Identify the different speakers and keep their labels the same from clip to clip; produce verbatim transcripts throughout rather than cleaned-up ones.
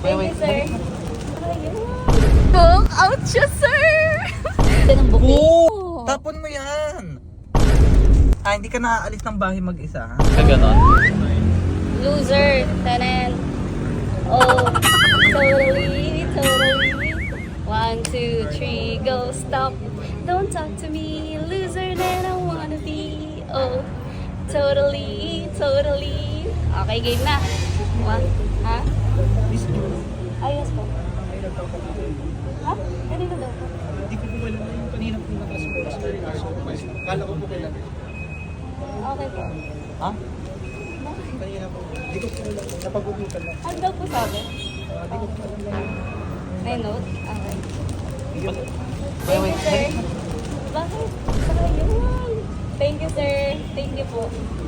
Speaker 1: Thank you, sir. Cook out siya, sir! Ito ng bouquet.
Speaker 2: Oo! Tapon mo yan! Ah, hindi ka naaalis ng bahay mag-isa, ha?
Speaker 3: Ka ganon?
Speaker 1: Loser. Tanan. Oh, totally, totally. One, two, three, go, stop. Don't talk to me, loser than I wanna be. Oh, totally, totally. Okay, game na. One, ha? Ayos po. Ha? Kanina daw po.
Speaker 4: Hindi ko po alam na yung kanina po nakasports na rin aso. Kala ko po kailan.
Speaker 1: Okay po.
Speaker 2: Ha?
Speaker 4: Kanina po. Hindi ko po alam. Napagugutan lang.
Speaker 1: Ano daw po sabi?
Speaker 4: Ah, Hindi ko po alam na yung...
Speaker 1: May note? Okay.
Speaker 4: Hindi ko
Speaker 1: Thank you, sir. Bakit? Sayang. Thank you, sir. Thank you po.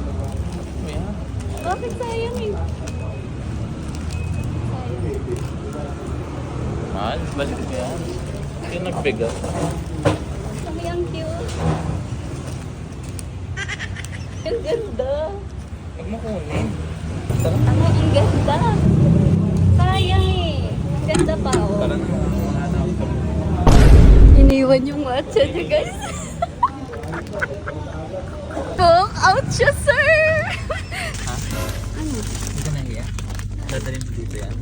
Speaker 1: Bakit sayang eh? Sayang.
Speaker 3: Mahal? Bakit ba yan? Yung nagbigat.
Speaker 1: Ang yung cute. Ang ganda.
Speaker 2: Huwag mo kunin.
Speaker 1: Ang ang ganda. Sayang eh. Ang ganda pa oh.
Speaker 2: Tara na.
Speaker 1: Iniwan yung matcha niya, guys. Cook out siya, sir!
Speaker 2: Ha?
Speaker 1: Ano?
Speaker 2: Hindi ka nahiya? Dadalhin mo dito yan.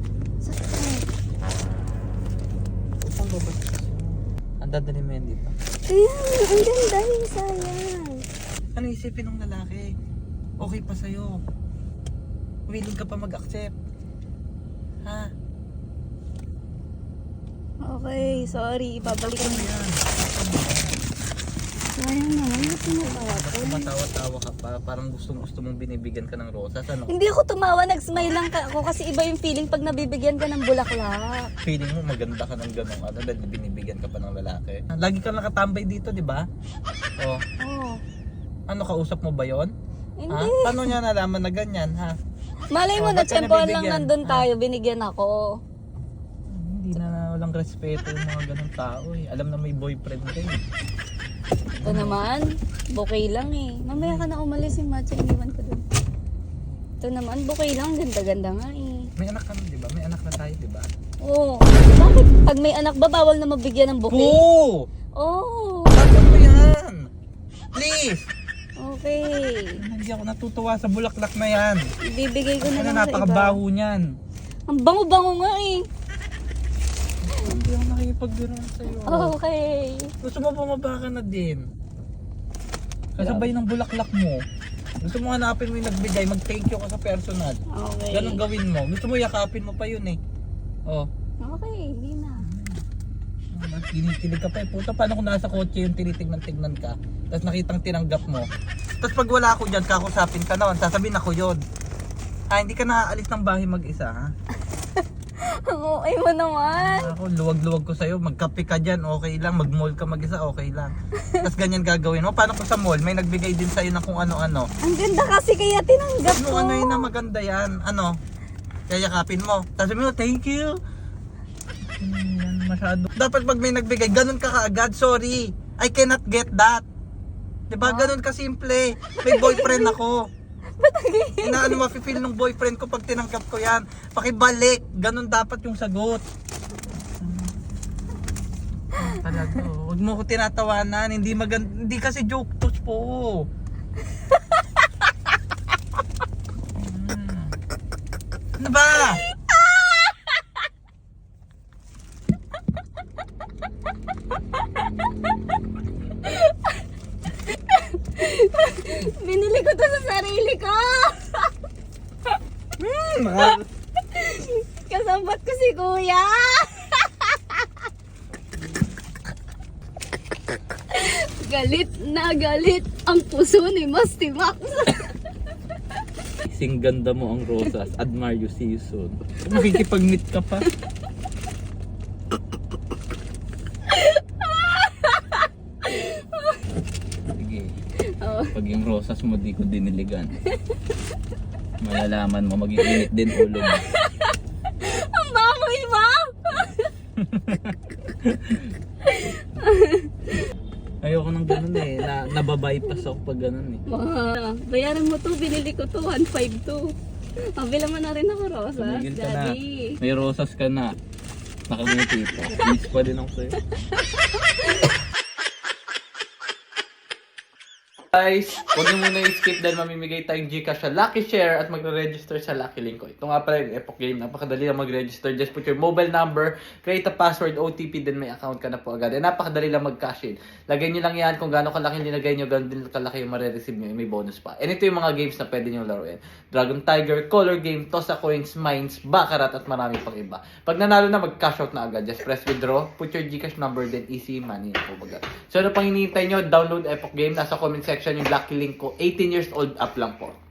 Speaker 2: Saan ba ba? Ang dadalhin mo yan dito.
Speaker 1: Ayan, ang ganda yung sayang.
Speaker 2: Ano isipin ng lalaki? Okay pa sa'yo. Willing ka pa mag-accept. Ha?
Speaker 1: Okay, sorry. Ibabalik ko
Speaker 2: Ano
Speaker 1: na.
Speaker 2: yan?
Speaker 1: Sayang naman, ba't tumatawa ko?
Speaker 2: Tumatawa-tawa ka pa. Parang gustong-gusto mong binibigyan ka ng rosas. Ano?
Speaker 1: Hindi ako tumawa, nag-smile lang ka ako kasi iba yung feeling pag nabibigyan ka ng bulaklak.
Speaker 2: Feeling mo maganda ka ng ganong ano dahil binibigyan ka pa ng lalaki. Lagi ka nakatambay dito, di ba? Oh,
Speaker 1: Oh,
Speaker 2: ano kausap mo ba 'yon? Ha?
Speaker 1: hindi.
Speaker 2: Paano niya nalaman na ganyan, ha?
Speaker 1: Malay mo
Speaker 2: Oh,
Speaker 1: na
Speaker 2: ba't ka
Speaker 1: tsempohan lang
Speaker 2: nabibigyan?
Speaker 1: nandun
Speaker 2: Ah.
Speaker 1: tayo, binigyan ako.
Speaker 2: Hindi na walang respeto yung mga ganong tao eh. Alam na may boyfriend ka eh.
Speaker 1: Ito naman, bouquet lang eh. Mamaya ka na umalis yung matcha, iniwan ko dun. Ito naman, bouquet lang, ganda-ganda nga eh.
Speaker 2: May anak ka na, di ba? May anak na tayo, di ba?
Speaker 1: Oo. Bakit pag may anak ba, bawal na mabigyan ng bouquet?
Speaker 2: Oo!
Speaker 1: Oo.
Speaker 2: Tapos mo yan! Please!
Speaker 1: Okay.
Speaker 2: Hindi ako natutuwa sa bulaklak na yan.
Speaker 1: Ibibigay ko na
Speaker 2: Ano,
Speaker 1: lang sa iba.
Speaker 2: napakabaho niyan.
Speaker 1: Ang bango-bango nga eh.
Speaker 2: Hindi ako nakikipagbiruan sa'yo.
Speaker 1: Okay.
Speaker 2: Gusto mo bumaba ka na din. Kasabay ng bulaklak mo. Gusto mo hanapin mo yung nagbigay, mag-thank you ka sa personal.
Speaker 1: Okay.
Speaker 2: Ganun gawin mo. Gusto mo yakapin mo pa yun eh. Oh.
Speaker 1: Okay, hindi na.
Speaker 2: Mas ginikilig ka pa eh. Puta, paano kung nasa kotse yung tinitignan-tignan ka? Tapos nakitang tinanggap mo. Tapos pag wala ako dyan, kakusapin ka naman. Sasabihin ako yun. Ah, hindi ka naaalis ng bahay mag-isa, ha?
Speaker 1: Ang okay mo naman.
Speaker 2: Ako, luwag-luwag ko sa'yo. Magkape ka dyan, okay lang. Mag-mall ka mag-isa, okay lang. Tapos ganyan gagawin mo. Paano kung sa mall, may nagbigay din sa'yo ng kung ano-ano.
Speaker 1: Ang ganda kasi kaya tinanggap
Speaker 2: Ano,
Speaker 1: ko.
Speaker 2: ano yun na maganda yan? Ano? Kayakapin mo. Tapos sabihin mo, thank you. Hmm, yan, masyado. Dapat pag may nagbigay, ganun ka kaagad. Sorry, I cannot get that. Diba? Ganun ka simple. May boyfriend ako. Inaano mafe-feel ng boyfriend ko pag tinanggap ko yan. Pakibalik. Ganun dapat yung sagot. Hmm, talaga. Huwag mo ko tinatawanan. Hindi maganda. Hindi kasi joke touch po. Hmm. Ano ba?
Speaker 1: Binili ko to sa sarili ko.
Speaker 2: Hmm, mga-
Speaker 1: Kasambat ko si kuya. Galit na galit ang puso ni Musty Max.
Speaker 2: Sing ganda mo ang rosas. Admire you, see you soon. Makikipag-meet ka pa. Sige.
Speaker 1: Oh.
Speaker 2: Pag yung rosas mo di ko diniligan, malalaman mo, mag-iinit din ulo mo.
Speaker 1: Ang baboy mo.
Speaker 2: Ayoko nang ganun eh. Na, nababypass ako pag ganun eh.
Speaker 1: Ma, bayaran mo to, binili ko to, one five to. Mabila mo na rin ako, Rosas.
Speaker 3: Tumigil ka na.
Speaker 1: Daddy.
Speaker 3: May rosas ka na. Nakangiti pa. Miss pa din ako sa'yo. Guys, huwag niyo muna i-skip dahil mamimigay tayong Gcash sa Lucky Share at magre-register sa Lucky Link ko. Ito nga pala yung Epoch Game. Napakadali lang mag-register. Just put your mobile number, create a password, O T P, then may account ka na po agad. And napakadali lang mag-cash in. Lagay niyo lang yan kung gaano kalaki nilagay niyo, gano'n din kalaki yung marireceive niyo. May bonus pa. And ito yung mga games na pwede niyo laruin. Dragon Tiger, Color Game, Toss a Coins, Mines, Baccarat, at marami pang iba. Pag nanalo na, mag-cash out na agad. Just press withdraw, put your Gcash number, then easy money. So ano pang hinihintay niyo? Download Epoch Game. Nasa comment section yung Lucky Link ko. eighteen years old up lang po.